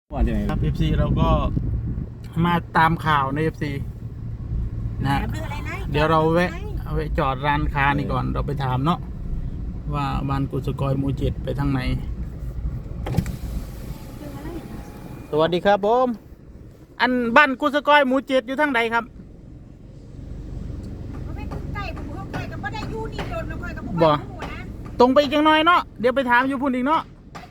ว่าจะไหนครับ FC เราก็มาตามข่าวใน FC นะเดี๋ยวเราแวะจอดร้านค้านี่ก่อนเราไปถามเนาะว่าบ้านกุศกอยหมู่เจ็ดไปทางไหนสวัสดีครับผมอันบ้านกุศกอยหมู่เจ็ดอยู่ทางใดครับบ่ตรงไปอีกจังหน่อยเนาะเดี๋ยวไปถามอยู่พุ่นอีกเนาะ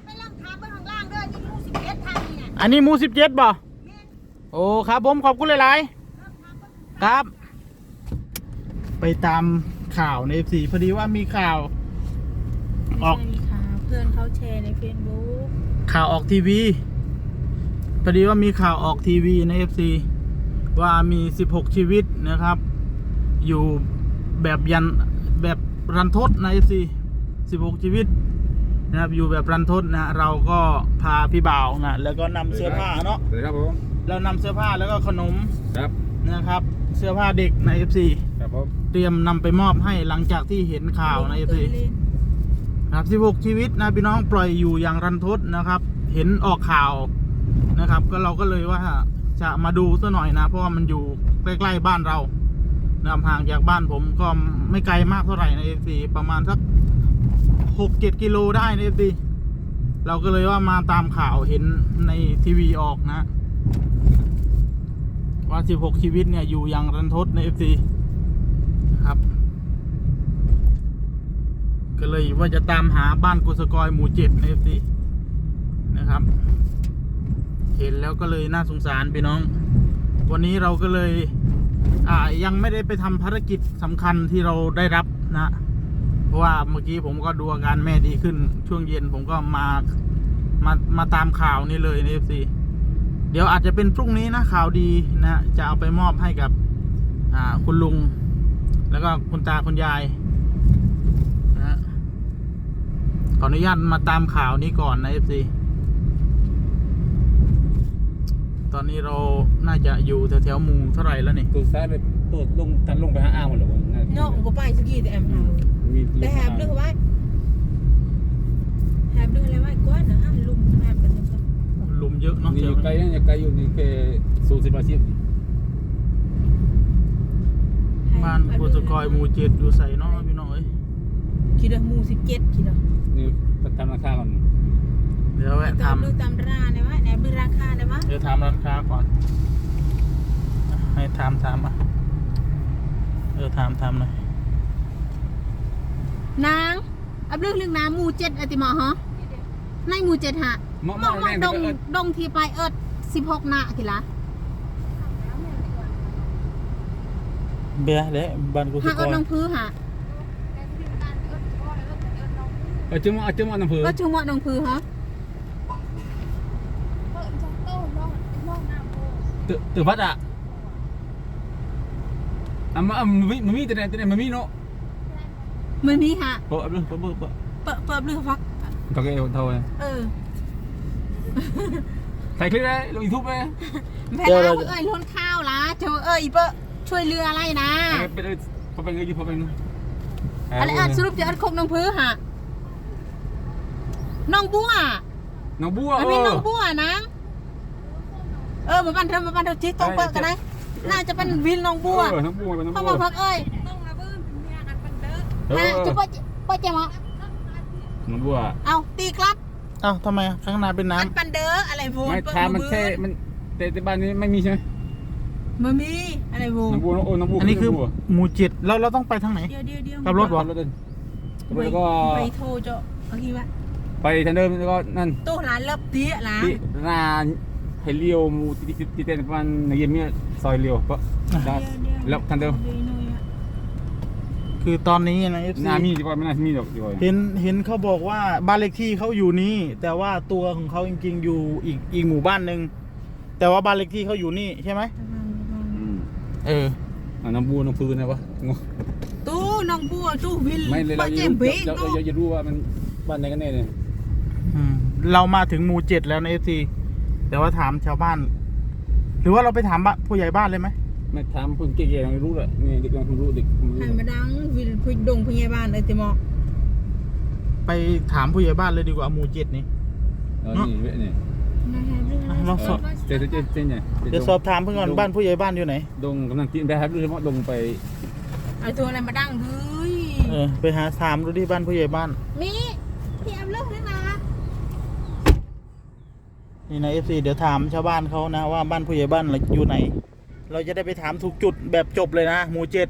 อันนี้หมู่17บ่โอ้ครับผมขอบคุณหลายๆครับไปตามข่าวใน FC พอดีว่ามีข่าวออกเพื่อนเขาแชร์ใน Facebook ข่าวออกทีวีพอดีว่ามีข่าวออกทีวีใน FC ว่ามี16ชีวิตนะครับอยู่แบบแบบรันทดใน FC 16ชีวิตนะครับอยู่แบบรันทดนะเราก็พาพี่บ่าวนะแล้วก็นำเสื้อผ้าเนาะครับผมเรานำเสื้อผ้าแล้วก็ขนมครับนะครับเสื้อผ้าเด็กใน FC ครับผมเตรียมนำไปมอบให้หลังจากที่เห็นข่าวใน FC นะครับ16ชีวิตนะพี่น้องปล่อยอยู่อย่างรันทดนะครับเห็นออกข่าวนะครับก็เราก็เลยว่าจะมาดูซะหน่อยนะเพราะว่ามันอยู่ใกล้ๆบ้านเรานะครับห่างจากบ้านผมก็ไม่ไกลมากเท่าไหร่ใน FC ประมาณสัก6-7 กิโลได้ใน FC เราก็เลยว่ามาตามข่าวเห็นในทีวีออกนะว่า16ชีวิตเนี่ยอยู่อย่างรันทดใน FC ครับก็เลยว่าจะตามหาบ้านกุศกอยหมู่7ใน FC นะครับเห็นแล้วก็เลยน่าสงสารพี่น้องวันนี้เราก็เลยยังไม่ได้ไปทำภารกิจสำคัญที่เราได้รับนะเพราะว่าเมื่อกี้ผมก็ดูอาการแม่ดีขึ้นช่วงเย็นผมก็มาตามข่าวนี้เลยใน FC เดี๋ยวอาจจะเป็นพรุ่งนี้นะข่าวดีนะจะเอาไปมอบให้กับคุณลุงแล้วก็คุณตาคุณยายนะขออนุญาตมาตามข่าวนี้ก่อนนะ FC ตอนนี้เราน่าจะอยู่แถวๆหมู่เท่าไหร่แล้วนี่ตัวซ้ายไปตัวลงทันลงไปหาอ้าวหมดเลยเนาะผมก็ไปสกี้แต่แอมเอาแต่แฮบเรื่องว่าแฮบเรื่องอะไรว่าก้อนนะลุมแฮบกันจังลุมเยอะเนาะนี่อยู่ไกลนะอยู่ไกลอยู่นี่แค่40 80 บ้านกุศกอยหมู่7อยู่ใส่เนาะพี่น้องเอ้ยคิดว่าหมู่17คิดว่านี่ทำราคาก่อนเดี๋ยวแวะตามดูตามร้านได้ไหมแอบดูราคาได้ไหมเดี๋ยวถามร้านค้าก่อนให้ถามอ่ะถามหน่อยนางอับเรื่องน้ำหมู่7อติมาฮะในหมู่7ฮะมองดงที่ปลาย16นาทีละเบียร์เด้บ้านกุศกอยน้องพื้ฮะจุ่มน้ำพื้ก็จุ่มน้องพื้ฮะตื่นพัดอ่ะมันมีแต่ไหนมันมีเนาะมันมีฮะเปิดเรื่องฟักโอเคเท่าไหร่ใส่คลิปได้ลงยูทูบไหมแม่เราล้นข้าวละเจ้าอีเปช่วยเรืออะไรนะเป็นเงยอยู่พอเป็นอะไรสรุปจะคงน้องพื้ฮะน้องบัวอันนี้น้องบัวนะมาบ้านเราชี้ตรงเปิดกันนะน่าจะเป็นวินน้องบัวพ่อมาพักจะป้าเจ้าหมอน้องบัวเอาตีกลับทำไมข้างหน้าเป็นน้ำปันเดออะไรโว้ไม่ทามันแค่มันแต่บ้านนี้ไม่มีใช่ไหมมันมีอะไรโว้น้องบัวน้องบัวอันนี้คือหมู่7เราต้องไปทางไหนขับรถวะแล้วก็ไปโทรเจ้าเอาทีว่าไปทางเดิมแล้วก็นั่นตู้ร้านเล็บเตี้ยร้านเฮลิโอมูติเต้นประมาณในเย็นเนี่ยซอยเลียวปะแล้วทางเดิมคือตอนนี้นะน่ามีดีกว่าไม่น่ามีหรอกดีกว่าเห็นเขาบอกว่าบ้านเลขที่เขาอยู่นี่แต่ว่าตัวของเขาจริงๆอยู่อีกหมู่บ้านหนึ่งแต่ว่าบ้านเลขที่เขาอยู่นี่ใช่ไหมน้องบัวน้องพื้นนะวะตู้น้องบัวตู้วิลไม่เลยเราจะรู้ว่ามันบ้านไหนกันแน่เนี่ยเรามาถึงหมู่7แล้วใน FC แต่ว่าถามชาวบ้านหรือว่าเราไปถามผู้ใหญ่บ้านเลยไหมไม่ถามคนเก่ๆไม่รู้เลยนี่เด็กมันรู้เด็กให้มาดังวิลพุดงผู้ใหญ่บ้านเลยติมอไปถามผู้ใหญ่บ้านเลยดีกว่าหมู่7นี่นี่ลองสอบเจ๊เนี่ยเดี๋ยวสอบถามเพื่อนก่อนบ้านผู้ใหญ่บ้านอยู่ไหนดงกำลังกินได้ครับโดยเฉพาะดงไปไอตัวอะไรมาดังเฮ้ยไปหาถามดูที่บ้านผู้ใหญ่บ้านมีพี่แอมเลิกแล้วนะนี่นะFC เดี๋ยวถามชาวบ้านเขานะว่าบ้านผู้ใหญ่บ้านอยู่ไหน เราจะได้ไปถามถูกจุดแบบจบเลยนะหมู่7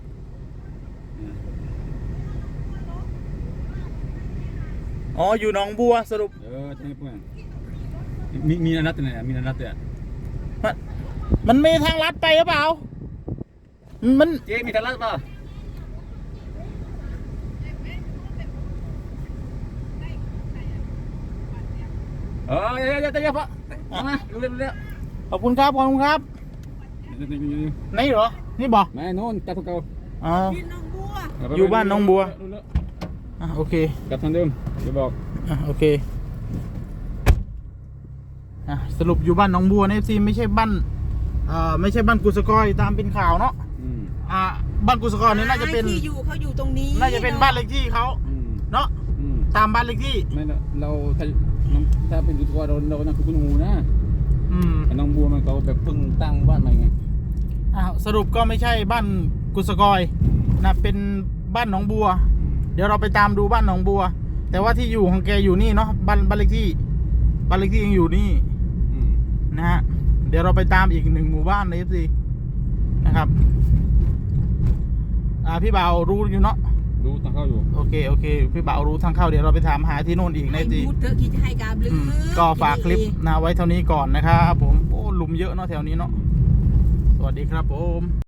อ๋ออยู่หนองบัวสรุปใช่เพื่อนมีนัดเนี่ยมีนัดเนี่ยมันมีทางลัดไปหรือเปล่ามันเจ๊มีทางลัดป่ะเดี๋ยวพ่อมาเร็วขอบคุณครับขอบคุณครับไหนเหรอนี่บอกแม่โน่นจับพวกเขาอ๋อพี่น้องบัวอยู่บ้านหนองบัว โอเคกลับทางเดิมเดี๋ยวบอกโอเคสรุปอยู่บ้านหนองบัวนะซีไม่ใช่บ้านไม่ใช่บ้านกุศกอยตามเป็นข่าวเนาะบ้านกุศกอยนี่น่าจะเป็นที่อยู่เขาอยู่ตรงนี้น่าจะเป็นบ้านเลขที่เขาเนาะตามบ้านเลขที่ไม่เราถ้าเป็นกุศกอยเรานั่นคือคุณหูนะน้องบัวมันเขาแบบเพิ่งตั้งบ้านใหม่ไงสรุปก็ไม่ใช่บ้านกุศกอยนะเป็นบ้านหนองบัวเดี๋ยวเราไปตามดูบ้านหนองบัวแต่ว่าที่อยู่ของแกอยู่นี่เนาะบ้านเลขที่ยังอยู่นี่นะฮะเดี๋ยวเราไปตามอีก1หมู่บ้านในFCนะครับพี่บ่าวรู้อยู่เนาะรู้ทางเข้าอยู่โอเคพี่บ่าวรู้ทางเข้าเดี๋ยวเราไปถามหาที่โน่นอีกในให้ FC พูดเถอะคิดจะให้กาบลือก็ฝากคลิปนะไว้เท่านี้ก่อนนะครับผมโอ้หลุมเยอะเนาะแถวนี้เนาะสวัสดีครับผม